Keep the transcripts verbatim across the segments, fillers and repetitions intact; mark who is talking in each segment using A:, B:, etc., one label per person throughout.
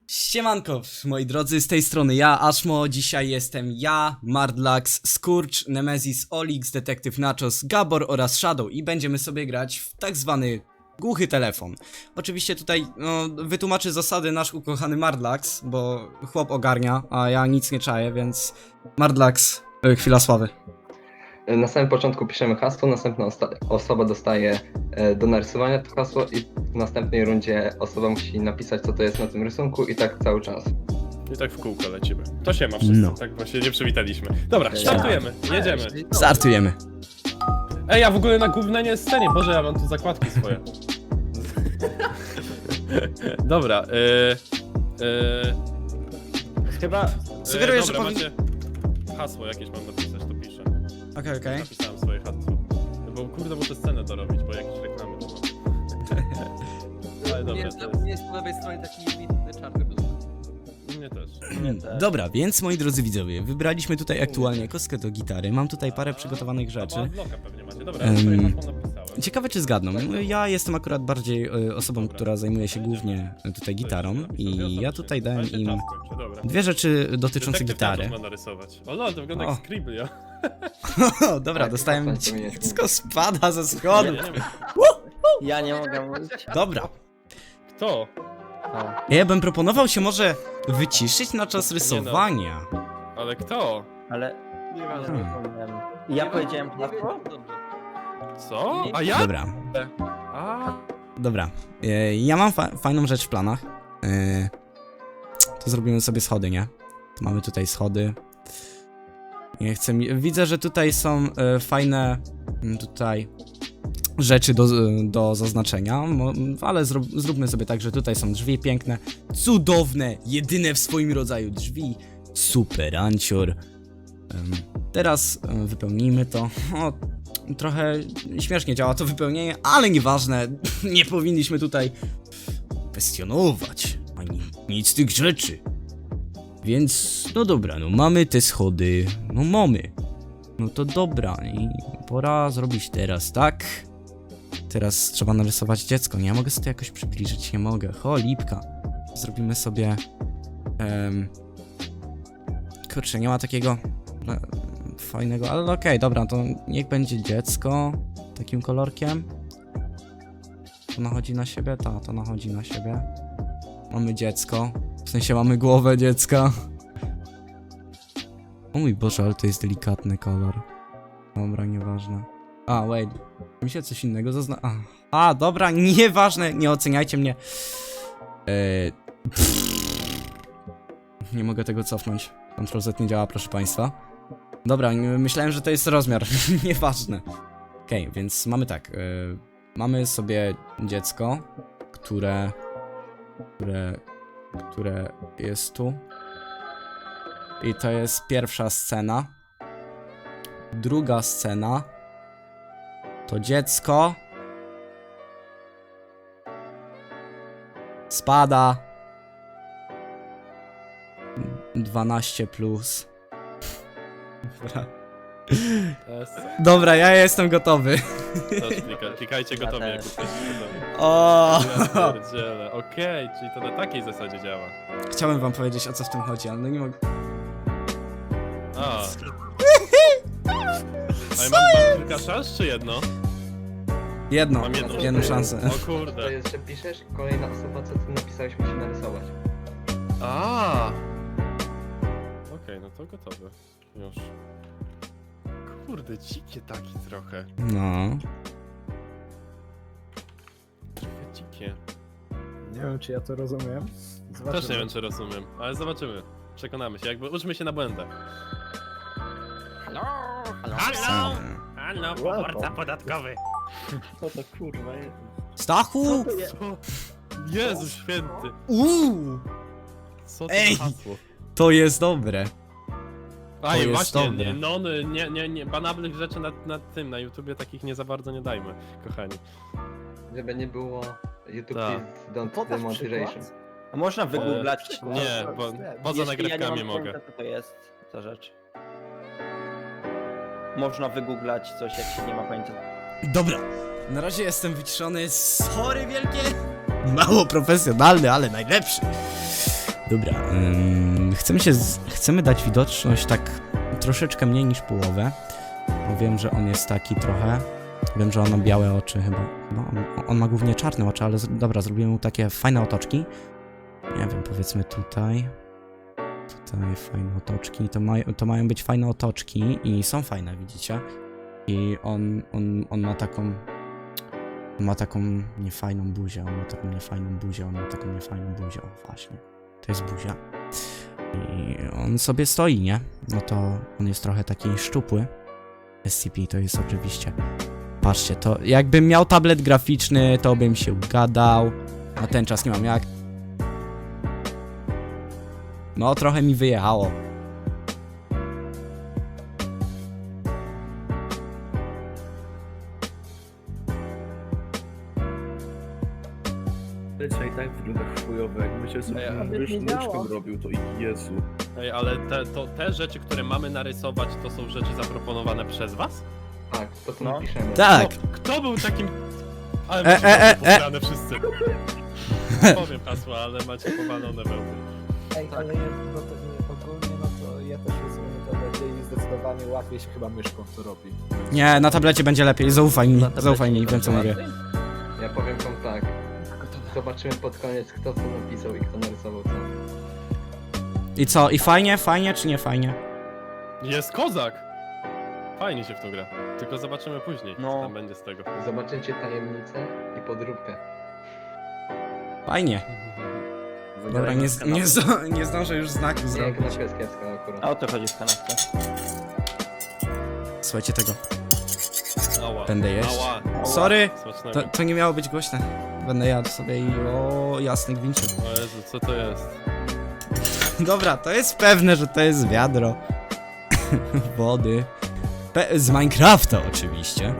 A: Siemanko, moi drodzy, z tej strony ja, Ashmo. Dzisiaj jestem ja, Mardlax, Skurcz, Nemesis, Olix, Detektyw Nachos, Gabor oraz Shadow i będziemy sobie grać w tak zwany głuchy telefon. Oczywiście tutaj no, wytłumaczy zasady nasz ukochany Mardlax, bo chłop ogarnia, a ja nic nie czaję, więc Mardlax, y, chwila sławy.
B: Na samym początku piszemy hasło, następna osoba dostaje e, do narysowania to hasło i w następnej rundzie osoba musi napisać, co to jest na tym rysunku i tak cały czas.
C: I tak w kółko lecimy. To się ma wszyscy,
A: No.
C: tak właśnie nie przywitaliśmy. Dobra, startujemy, jedziemy.
A: Startujemy.
C: Ej, ja w ogóle na głównej scenie, Boże, ja mam tu zakładki swoje. Dobra, yy, yy,
D: Chyba...
A: Sugeruję,
C: yy,
A: że
C: dobra,
A: powin-
C: macie hasło jakieś mam napisać, to piszę.
A: Okej, okay, okej.
C: Napisałem swoje hasło. Bo kurde, muszę scenę dorobić, bo jakieś reklamy to mam. Ale dobra,
D: Jest,
C: to jest...
D: jest po lewej stronie taki widny czarny blok.
C: U mnie też.
A: Hmm, Dobra, więc moi drodzy widzowie, wybraliśmy tutaj aktualnie kostkę do gitary, mam tutaj parę przygotowanych rzeczy.
C: A, bloka pewnie macie. Dobra,
A: Em,
C: ja swoje hasło napisałem.
A: Ciekawe czy zgadną. Ja jestem akurat bardziej y, osobą,
C: Dobra.
A: która zajmuje się głównie y, tutaj gitarą i ja tutaj dałem
C: Ale się
A: im
C: czas kończy, dobra.
A: dwie rzeczy dotyczące
C: Detektyw
A: gitary.
C: Nachos ma narysować. O lol, to wygląda
A: O.
C: jak Scribble.
A: O, dobra,
B: Tak,
A: dostałem
B: tak, to mnie-
A: dziecko spada ze schodu.
C: Nie, nie wiem.
D: Ja nie mogę mówić.
A: Dobra.
C: Kto?
A: Ja bym proponował się może wyciszyć na czas rysowania.
C: Ale kto?
D: Ale...
A: Hmm.
D: Nie zapomniałem. Ja powiedziałem hasło?
C: Co? A ja?
A: Dobra,
C: A,
A: dobra. E, Ja mam fa fajną rzecz w planach. E, To zrobimy sobie schody, nie? To mamy tutaj schody. Nie chcę mi... Widzę, że tutaj są e, fajne m, tutaj rzeczy do, do zaznaczenia, Mo- ale zrób, zróbmy sobie tak, że tutaj są drzwi piękne, cudowne, jedyne w swoim rodzaju drzwi. Super, ancior. Em, Teraz em, wypełnijmy to. O, trochę śmiesznie działa to wypełnienie, ale nieważne. Nie powinniśmy tutaj kwestionować ani nic z tych rzeczy. Więc, no dobra, no mamy te schody, no mamy. No to dobra, i pora zrobić teraz, tak? Teraz trzeba narysować dziecko, nie? Ja mogę sobie to jakoś przybliżyć, nie mogę. Ho, lipka. Zrobimy sobie... Um, kurczę, nie ma takiego e, fajnego, ale okej, dobra, to niech będzie dziecko takim kolorkiem. To nachodzi na siebie? Ta, to nachodzi na siebie. Mamy dziecko. W sensie mamy głowę dziecka. O mój Boże, ale to jest delikatny kolor. Dobra, nieważne. A, wait. Mi się coś innego zazna... A, A dobra, nieważne, nie oceniajcie mnie. Eee... Nie mogę tego cofnąć. Ctrl Z nie działa, proszę państwa. Dobra, nie- myślałem, że to jest rozmiar. Nieważne. Okej, okay, więc mamy tak. Yy, mamy sobie dziecko, które... Które... Które jest tu. I to jest pierwsza scena. Druga scena to dziecko spada dwanaście plus. Dobra.
C: S.
A: Dobra, ja jestem gotowy.
C: Też klika, klikajcie gotowie, jak
D: też.
C: jesteście gotowi.
A: O!
C: Ja pierdzielę. Okej, czyli to na takiej zasadzie działa.
A: Chciałem wam powiedzieć, o co w tym chodzi, ale no nie mogę.
C: A. Ale mam, mam kilka szans, czy jedno?
A: Jedno,
C: Mam jedną.
A: jedną szansę.
C: O
B: To
C: kurde.
B: jest, że piszesz i kolejna osoba, co ty napisałeś, musi narysować.
C: A. Okej, no to gotowe. Już. Kurde, dzikie taki trochę.
A: No.
C: Trochę dzikie.
E: Nie wiem, czy ja to rozumiem. Zobaczymy.
C: Też nie wiem, czy rozumiem, ale zobaczymy. Przekonamy się, jakby uczmy się na błędach.
D: Halo?
C: Halo! Halo, poborca podatkowy!
D: Co to kurwa jest?
A: Stachu!
C: Co? Jezu święty!
A: Uuu!
C: Co to
A: Ej!
C: za hasło?
A: To jest dobre.
C: Aj,
A: jest
C: właśnie,
A: dobre.
C: nie, no, nie, nie, nie, banablnych rzeczy na, na tym, na YouTubie takich nie za bardzo nie dajmy, kochani.
B: Żeby nie było YouTube
C: Tak.
B: please don't
E: Podasz
B: demonetization.
E: przykład?
D: A można wygooglać?
C: E, Nie, bo poza
D: Jeśli ja nie
C: nagrywkami
D: mam
C: mogę.
D: pojęcia, co to jest za rzecz. Można wygooglać coś, jak się nie ma pojęcia.
A: Dobra. Na razie jestem wyciszony. Sorry wielkie. Mało profesjonalny, ale najlepszy. Dobra, ym, chcemy się, z, chcemy dać widoczność tak troszeczkę mniej niż połowę, bo wiem, że on jest taki trochę, wiem, że on ma białe oczy chyba, no, on, on ma głównie czarne oczy, ale z, dobra, zrobimy mu takie fajne otoczki, nie wiem, powiedzmy tutaj, tutaj fajne otoczki, to, maj, to mają być fajne otoczki i są fajne, widzicie, i on, on, on ma taką, on ma taką niefajną buzię, on ma taką niefajną buzię, on ma taką niefajną buzię, o właśnie. To jest buzia. I on sobie stoi, nie? No to on jest trochę taki szczupły. S C P to jest oczywiście... Patrzcie, to jakbym miał tablet graficzny, to bym się ugadał. Na ten czas nie mam jak. No, trochę mi wyjechało.
F: Lecie i tak wygląda chujowo, jakby się sobie
C: Ej, a
E: nie
F: mysz,
E: działa.
F: myszką robił, to Jezu.
C: Ej, ale te, to, te rzeczy, które mamy narysować, to są rzeczy zaproponowane przez was?
B: Tak, to co
D: No.
B: napiszemy.
A: Tak!
C: Kto, kto był takim... Ale
A: E,
C: macie
A: e, e,
C: posrane wszyscy. Powiem hasła, ale macie powalone wełny.
E: Ej, ale ja- no to nie, ogólnie, no to ja też rozumiem to będzie i zdecydowanie łatwiej się chyba myszką to robi.
A: Nie, na tablecie będzie lepiej, zaufaj mi,
D: Na tablecie
A: zaufaj mi, wiem
D: będzie
A: co mówię.
D: łatwiej?
B: Ja powiem wam tak. Zobaczymy pod koniec, kto co napisał i kto narysował co.
A: I co, i fajnie, fajnie czy nie fajnie?
C: Jest kozak! Fajnie się w to gra. Tylko zobaczymy później,
D: No.
C: co tam będzie z tego.
B: Zobaczycie tajemnicę i podróbkę.
A: Fajnie. Dobra, nie, z- nie, z- nie zdążę już znaku
B: Nie,
A: zrobić.
B: knapka jest kiepska akurat.
D: A o to chodzi w kanapce.
A: Słuchajcie tego.
C: Ała.
A: Będę jeść.
C: Ała.
A: Sorry,
C: Smacznego.
A: to, to nie miało być głośne. Będę jadł sobie i o jasny gwinciu.
C: O Jezu, co to jest?
A: Dobra, to jest pewne, że to jest wiadro wody. Pe z Minecrafta oczywiście.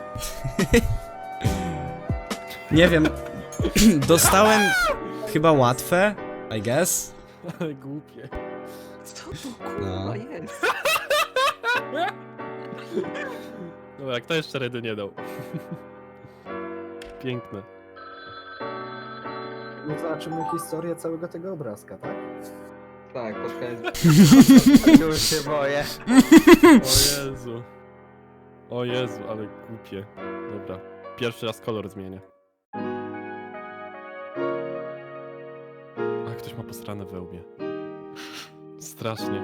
A: Nie wiem, dostałem chyba łatwe, I guess.
C: Ale głupie.
B: Co to
A: No.
B: jest?
C: Dobra, kto jeszcze redy nie dał? Piękne.
E: No zobaczymy historię całego tego obrazka, tak?
B: Tak, pod koniec.
D: Już się boję.
C: O Jezu. O Jezu, ale głupie. Dobra, pierwszy raz kolor zmienię. A ktoś ma posrane we łbie. Strasznie.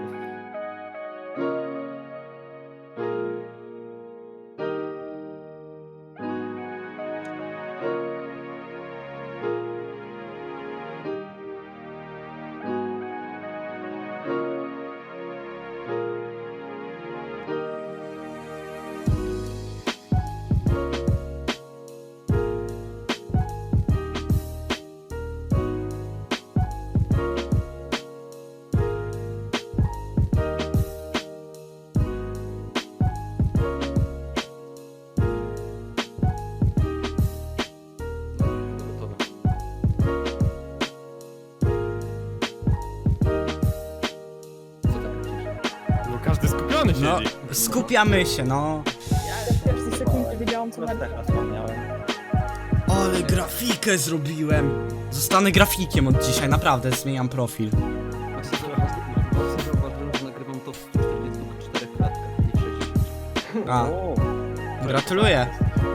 C: Gotowe.
B: Co tam piszesz?
C: No każdy skupiony
A: No,
C: siedzi.
A: skupiamy się, no.
G: W pierwszej sekundzie wiedziałam, co
D: Co
G: na
D: tak wspomniałem.
A: Ale grafikę zrobiłem. Zostanę grafikiem od dzisiaj, naprawdę, zmieniam profil.
H: Właśnie zauważyłem, że nagrywam to w czterdziestu czterech klatkach, nie w sześćdziesięciu.
A: A, gratuluję.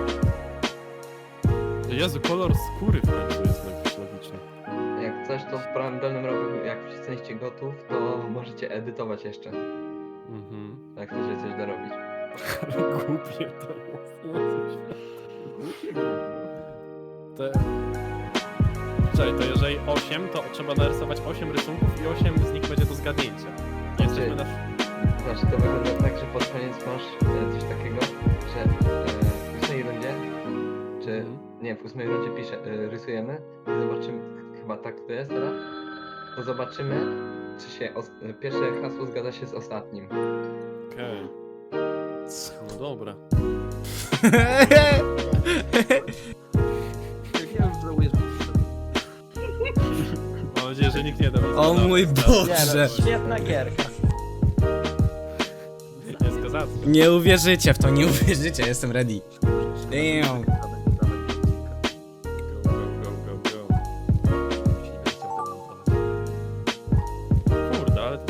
C: Jezu, kolor skóry w końcu jest jakiś logiczny.
B: Jak coś, to w prawym dolnym rogu, jak wszyscy jesteście gotów, to możecie edytować jeszcze.
C: Mhm.
B: Jak chcecie coś dorobić.
C: Głupie to jest. Jezu święty. Te... Czekaj, to jeżeli osiem, to trzeba narysować osiem rysunków i osiem z nich będzie do zgadnięcia. Jesteśmy na...
B: Znaczy to wygląda tak, że pod koniec masz e, coś takiego, że e, w ósmej rundzie, czy
C: Mhm.
B: nie, w ósmej rundzie pisze, e, rysujemy i zobaczymy, chyba tak to jest teraz, to zobaczymy, czy się os- e, pierwsze hasło zgadza się z ostatnim.
C: Okej. No dobra.
H: Ja już żałuję, że przyszedłem.
C: Mam nadzieję, że nikt nie da mi
A: O
C: zgadza.
A: mój
D: Nie
A: Boże.
D: no, świetna gierka.
C: Jest kozacka.
A: Nie uwierzycie w to, nie uwierzycie, jestem ready. Damn.
C: Go, go, go, go, go.
H: Musi nie chciał tego montować.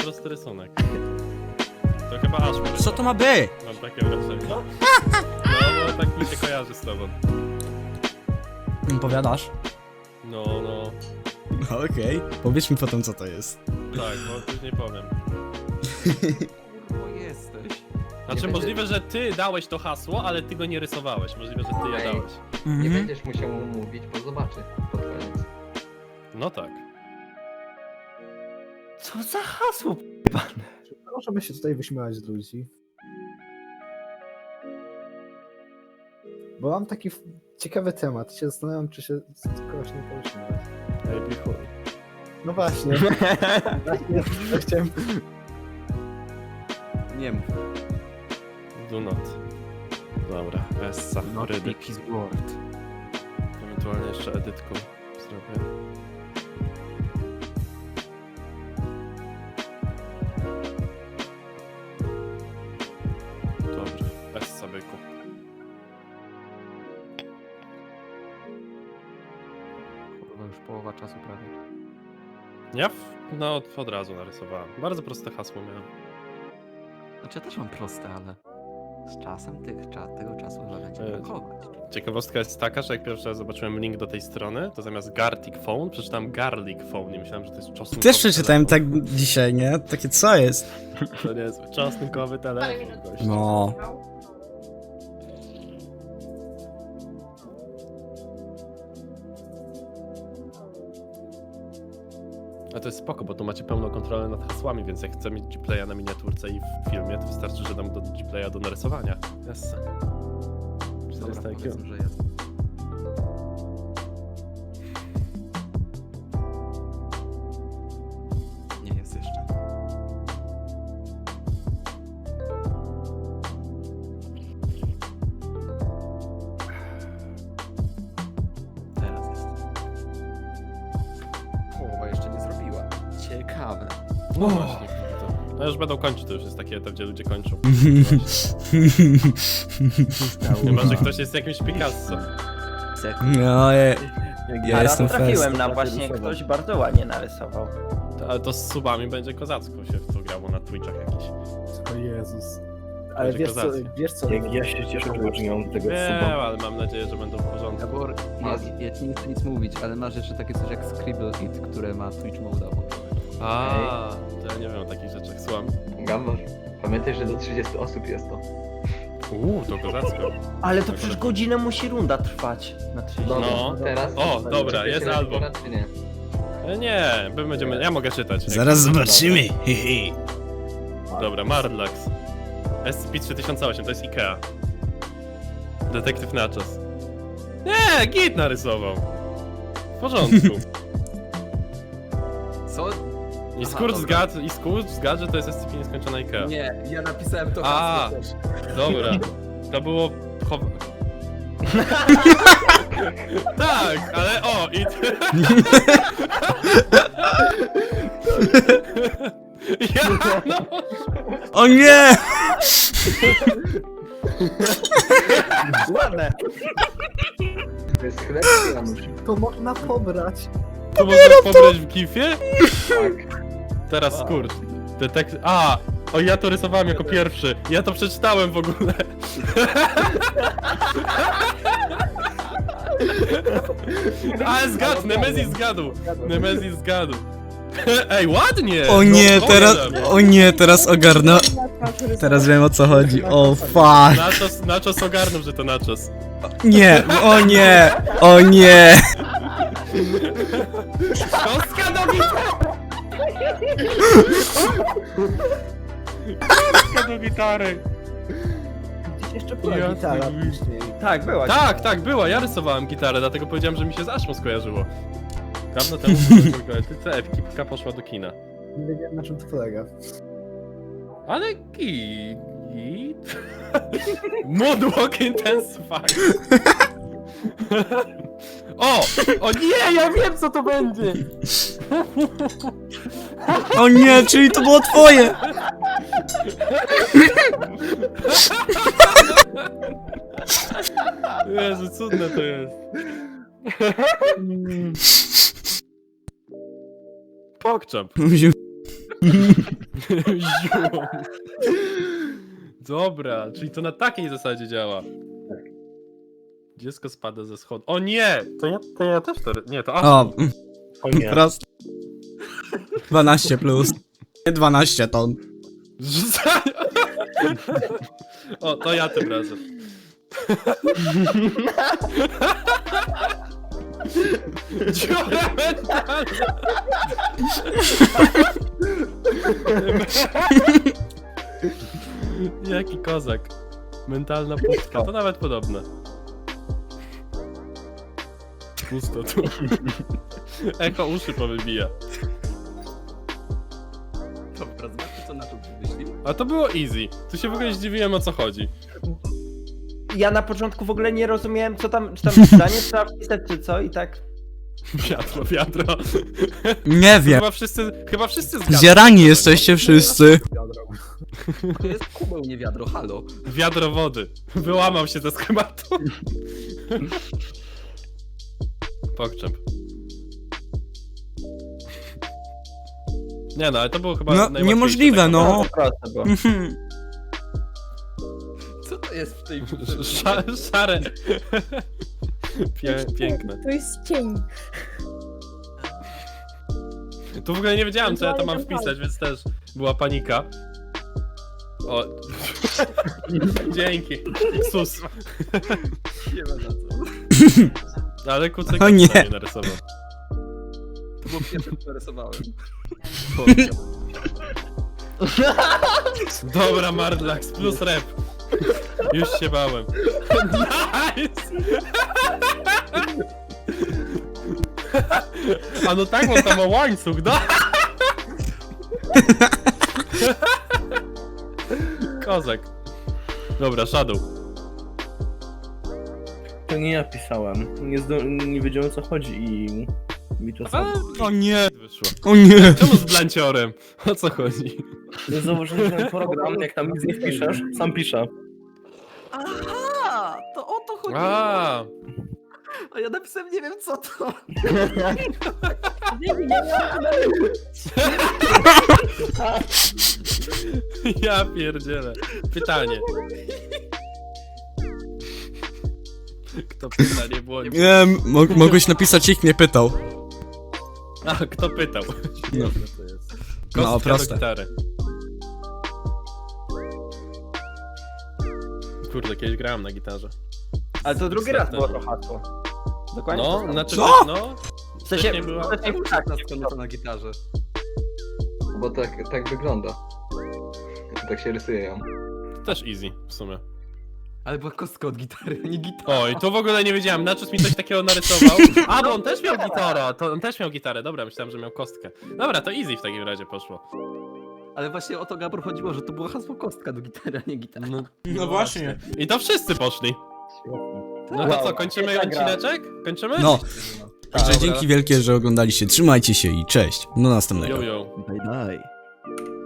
C: prosty rysunek. To chyba aż może.
A: Co to ma być?
C: Mam takie wrażenie. No, bo tak mi się kojarzy z tobą.
A: Powiadasz?
C: No, no.
A: Okej. Powiedz mi potem, co to jest.
C: Tak, bo później powiem.
H: Kurwa jesteś.
C: Znaczy
H: Nie
C: możliwe, że ty dałeś to hasło, ale ty go nie rysowałeś. Możliwe, że ty je
B: Ej.
C: dałeś.
B: Nie
A: Mhm.
B: będziesz musiał mu mówić, bo zobaczy pod koniec.
C: No tak.
D: Co za hasło?
E: Możemy się tutaj wyśmiewać z ludzi. Bo mam taki f- ciekawy temat. Się zastanawiam, czy się z kogoś nie pośmiewać.
C: Ej, bichuj.
E: No właśnie. właśnie ja chciałem...
H: Nie mów.
C: Do not. Dobra, Essa,
H: Not
C: rydy.
H: his word.
C: Ewentualnie jeszcze edytką zrobię. Dobrze, Essa byku.
H: Kurwa już połowa czasu prawie.
C: Ja w, no od razu narysowałem. Bardzo proste hasło miałem.
H: Znaczy ja też mam proste, ale z czasem tych, cza- tego czasu chyba będzie
C: Ej.
H: brakować.
C: Ciekawostka jest taka, że jak pierwszy raz zobaczyłem link do tej strony, to zamiast Gartic Phone przeczytałem Garlic Phone i myślałem, że to jest czosnkowy
A: Też przeczytałem tak
C: telefon.
A: dzisiaj, nie? Takie co jest?
C: To nie jest czosnkowy telefon. gościu.
A: No.
C: A to jest spoko, bo tu macie pełną kontrolę nad hasłami, więc jak chcę mieć Gplaya na miniaturce i w filmie, to wystarczy, że dam do Gplaya do narysowania. Yes.
H: Dobra,
C: czterysta I Q.
H: powiedzmy, że jest. Nie jest jeszcze. Teraz jest. Połowa jeszcze nie zrobiła. Ciekawe.
C: No właśnie, to, no już będą kończyć, to już jest taki etap, gdzie ludzie kończą. Chyba, że ktoś jest jakimś Picasso.
A: No, ja, ja
D: A raz
A: jestem
D: trafiłem
A: fest.
D: na właśnie ktoś bardzo ładnie narysował.
C: To, ale to z subami będzie kozacko się w to grało na Twitchach jakiś.
E: O Jezus. Ale
C: Będzie
E: wiesz co,
C: kozackie.
E: wiesz co?
F: Jak ja się cieszę, że nie mam tego
C: Wiem,
F: suba.
C: ale mam nadzieję, że będą w porządku.
H: Gabor, ja, ja ci nie chcę nic mówić, ale masz jeszcze takie coś jak Scribble It, które ma Twitch Mode włączone.
C: A, to ja nie wiem o takich rzeczach, słucham.
B: Gambor, pamiętaj, że do trzydziestu osób jest to.
C: Uuu, to kozacko.
D: Ale to przecież godzinę musi runda trwać na trzydzieści.
B: Dobra,
C: No.
B: teraz...
C: O, dobra,
B: czy
C: jest
B: się
C: album.
B: pora, czy nie?
C: E, Nie, my będziemy, ja mogę czytać. Jak-
A: Zaraz zobaczymy. Hehe.
C: Dobra, Marlax. S C P trzy tysiące osiem, to jest Ikea. Detektyw Nachos. Nie, git narysował. W porządku.
H: Co?
C: I
H: Aha,
C: skurcz
H: dobra.
C: zgadł, i skurcz zgadł, że to jest S C P nieskończona Ikea.
H: Nie, ja napisałem to
C: A.
H: hasło też.
C: Dobra, to było... Chow... tak, ale o, i... ja, no...
A: O nie!
D: Ładne.
B: To jest chleb czy Janusz?
E: To można pobrać.
C: To można pobrać w gifie?
B: Tak.
C: Teraz skurcz. Detek... A! O, ja to rysowałem jako pierwszy. Ja to przeczytałem w ogóle. Ale zgadł, Nemezis zgadł. Nemezis zgadł. Ej, ładnie!
A: O nie,
C: No,
A: teraz,
C: powiem.
A: o nie, teraz ogarnę. Teraz wiem o co chodzi. O fuck.
C: Nachos, nachos ogarnął, że to nachos.
A: Nie, o nie, o nie.
C: Kostka do gitary! Kostka do gitary!
E: Gdzieś jeszcze była
C: Ja
E: gitara
C: sobie-
E: później.
D: Tak, była.
C: Tak, tak, była, ja rysowałem gitarę, dlatego powiedziałem, że mi się z Ashmą skojarzyło. Dawno temu w ekipka poszła do kina.
E: Nie wiedziałem na czym to polega.
C: Ale git. git. Moonwalk Intensified. O! O nie, ja wiem co to będzie!
A: O nie, czyli to było twoje.
C: Jezu, cudne to jest. Pokczap. Ziom. Dobra, czyli to na takiej zasadzie działa. Dziecko spada ze schodu. O nie! To ja, to ja też to... Nie, to
A: O,
C: Asu.
A: mm,
F: O nie.
A: prosto. dwanaście plus. Nie dwanaście ton.
C: Rzucanie! O, to ja tym razem. Dziura mentalna! Jaki kozak. Mentalna pustka, to nawet podobne. Pusto tu. Echo uszy powybija.
H: Dobra, zobaczmy co na to wymyślił.
C: A to było easy. Tu się w ogóle zdziwiłem, o co chodzi.
D: Ja na początku w ogóle nie rozumiałem, co tam, czy tam zdanie trzeba wpisać, czy co i tak...
C: Wiadro, wiadro.
A: Nie wiem.
C: Chyba wszyscy, chyba wszyscy zgadzają.
A: Zjarani jesteście wszyscy.
H: To jest kubeł, nie wiadro, halo.
C: Wiadro wody. Wyłamał się ze schematu. Pokczep. Nie no, ale to było chyba
A: No,
C: najłatwiejsze
A: niemożliwe,
C: tak
A: no.
C: naprawdę.
D: Proste było.
A: Mhm.
H: Co to jest w tej
C: Sza, szare. Pię, piękne.
G: To jest cień.
C: Tu w ogóle nie wiedziałem, co ja tam mam wpisać, więc też była panika. O. Dzięki. Sus.
H: Nie ma za co.
C: Ale kucyk
A: O nie.
C: nie narysował.
H: To było pierwsze, co narysowałem.
C: Dobra, Mardlax, plus rep. Już się bałem. Nice! A no tak, bo tam ma łańcuch, no? Kozak. Dobra, Shadow.
F: To nie ja pisałem. Nie, zdo... nie wiedziałem o co chodzi i mi to samo.
A: O nie.
C: Wyszło.
A: O nie.
C: Czemu z blanciorem? O co chodzi?
F: Ja założyłem ten program, jak tam nic nie wpiszesz, sam piszę.
H: Aha! To o to chodziło!
C: A,
H: A ja napisałem, nie wiem co to.
G: Nie wiem, ja miałam
C: ja pierdzielę. Pytanie. Kto pytanie błądzi?
A: Nie, mo mogłeś napisać ich, nie pytał.
C: A, kto pytał?
A: No.
H: to jest.
A: No,
C: Kostka
A: proste.
C: do gitary. Kurde, kiedyś grałem na gitarze.
D: Ale to drugi raz było to hasło. Dokładnie to
C: No,
D: samo.
C: znaczy,
A: Co?
C: no.
D: W sensie,
C: wcześniej była-
D: wcześniej tak,
H: Na, na gitarze.
B: Bo tak, tak wygląda. Tak się rysuje ją.
C: Też easy, w sumie.
H: Ale była kostka od gitary, a nie gitara.
C: Oj, to w ogóle nie wiedziałem, Naczos mi coś takiego narysował. A, bo on też miał gitarę, to on też miał gitarę, dobra, myślałem, że miał kostkę. Dobra, to easy w takim razie poszło.
H: Ale właśnie o to Gabor chodziło, że to było hasło kostka do gitary, a nie gitara.
C: No,
A: No właśnie.
C: I to wszyscy poszli. No to
D: Wow.
C: co, kończymy
D: Świetna gra.
C: odcineczek? Kończymy?
A: No. Także
C: Dobra.
A: dzięki wielkie, że oglądaliście. Trzymajcie się i cześć. Do następnego.
C: Yo, yo.
H: Daj, daj.